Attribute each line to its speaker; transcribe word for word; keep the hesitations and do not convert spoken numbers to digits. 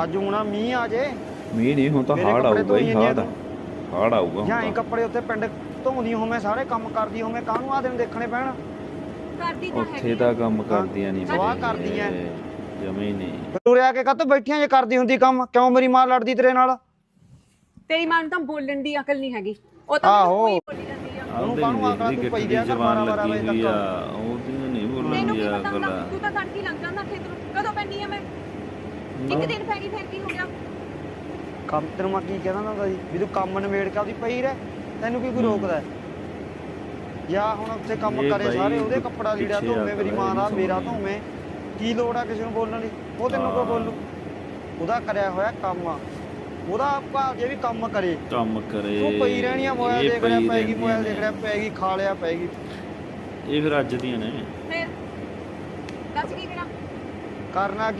Speaker 1: ਅੱਜ ਹੁਣ ਮੀਂਹ ਆ ਜੇ।
Speaker 2: ਮੀਂਹ ਨਹੀਂ ਹੁਣ ਤਾਂ ਹਾੜ ਆਊਗਾ ਹੀ ਹਾੜ ਹਾੜ ਆਊਗਾ
Speaker 1: ਜਾਂ ਇਹ ਕੱਪੜੇ ਉੱਥੇ ਪਿੰਡ ਧੋਂਦੀ ਹੋਵੇਂ ਸਾਰੇ ਕੰਮ ਕਰਦੀ ਹੋਵੇਂ ਕਾਹਨੂੰ ਆ ਦਿਨ ਦੇਖਣੇ ਪੈਣ।
Speaker 3: ਕਰਦੀ ਤਾਂ
Speaker 2: ਉੱਥੇ ਤਾਂ ਕੰਮ ਕਰਦੀਆਂ ਨਹੀਂ
Speaker 1: ਸਵਾਹ ਕਰਦੀਆਂ
Speaker 2: ਜਮੇ ਨਹੀਂ।
Speaker 1: ਉਰੇ ਆ ਕੇ ਕਾਹਤੋਂ ਬੈਠੀਆਂ ਜੇ ਕਰਦੀ ਹੁੰਦੀ ਕੰਮ ਕਿਉਂ ਮੇਰੀ ਮਾਂ ਲੜਦੀ ਤੇਰੇ ਨਾਲ।
Speaker 3: ਤੇਰੀ ਮਾਂ ਨੂੰ ਤਾਂ ਬੋਲਣ ਦੀ ਅਕਲ ਨਹੀਂ ਹੈਗੀ ਉਹ ਤਾਂ
Speaker 1: ਆਹੋ
Speaker 3: ਕੋਈ ਬੋਲੀ ਜਾਂਦੀ ਆ।
Speaker 1: ਉਹਨੂੰ ਕਾਹਨੂੰ ਆਕੜਾ ਤੂੰ ਪਈ ਦਿਆ ਕਰ
Speaker 2: ਜ਼ਬਾਨ
Speaker 1: ਬਾਰਾਂ
Speaker 2: ਲੱਗੀ
Speaker 1: ਵਜੇ
Speaker 2: ਹੋਈ ਆ
Speaker 1: ਤੱਕ।
Speaker 2: ਉਹਦੀ ਨਹੀਂ ਬੋਲਣ
Speaker 3: ਤੈਨੂੰ
Speaker 2: ਦੀ
Speaker 3: ਕੀ
Speaker 2: ਆ
Speaker 3: ਪਤਾ
Speaker 2: ਗੱਲ।
Speaker 3: ਹੁੰਦਾ ਤੂੰ ਤਾਂ ਤੜਕੀ ਲੰਘ ਜਾਂਦਾ ਖੇਤ ਨੂੰ ਕਦੋਂ ਪੈਣੀ ਆ ਮੈਂ ਇੱਕ ਦਿਨ ਪੈ ਗਈ ਫਿਰ ਕੀ ਹੋ ਗਿਆ।
Speaker 1: ਕੰਮ ਤੈਨੂੰ ਮੈਂ ਕੀ ਕਹਿੰਦਾ ਹੁੰਦਾ ਸੀ ਵੀ ਤੂੰ ਕੰਮ ਨਿਬੇੜ ਕੇ ਆਪਦੀ ਪਈ ਰਹਿ ਤੈਨੂੰ ਕੀ ਕੋਈ ਰੋਕਦਾ। ਜਾਂ ਹੁਣ ਉੱਥੇ ਕੰਮ ਕਰੇ ਸਾਰੇ ਉਹਦੇ ਕੱਪੜਾ ਲੀੜਾ ਧੋਵੇਂ ਮੇਰੀ ਮਾਂ ਦਾ ਮੇਰਾ ਧੋਵੇਂ ਕੀ ਲੋੜ ਆ ਕਿਸੇ ਨੂੰ ਬੋਲਣ ਦੀ। ਉਹ ਤੈਨੂੰ ਕੋ ਬੋਲੂ ਉਹਦਾ ਕਰਿਆ ਹੋਇਆ ਕੰਮ ਆ ਉਹਦਾ ਭਾਵ ਜੇ ਵੀ ਕੰਮ ਕਰੇ
Speaker 2: ਕੰਮ ਕਰੇ
Speaker 1: ਤੂੰ ਪਈ ਰਹਿਣੀ ਆ ਮੋਬਾਈਲ ਦੇਖ ਰਿਹਾ ਪੈਗੀ ਮੋਬਾਈਲ ਦੇਖ ਰਿਹਾ ਪੈਗੀ ਖਾ ਲਿਆ ਪੈਗੀ।
Speaker 2: ਇਹ ਫਿਰ ਅੱਜ ਦੀਆਂ ਨੇ
Speaker 3: ਫਿਰ ਦੱਸ ਕੀ ਕਰਾਂ
Speaker 1: ਕਰਨਾ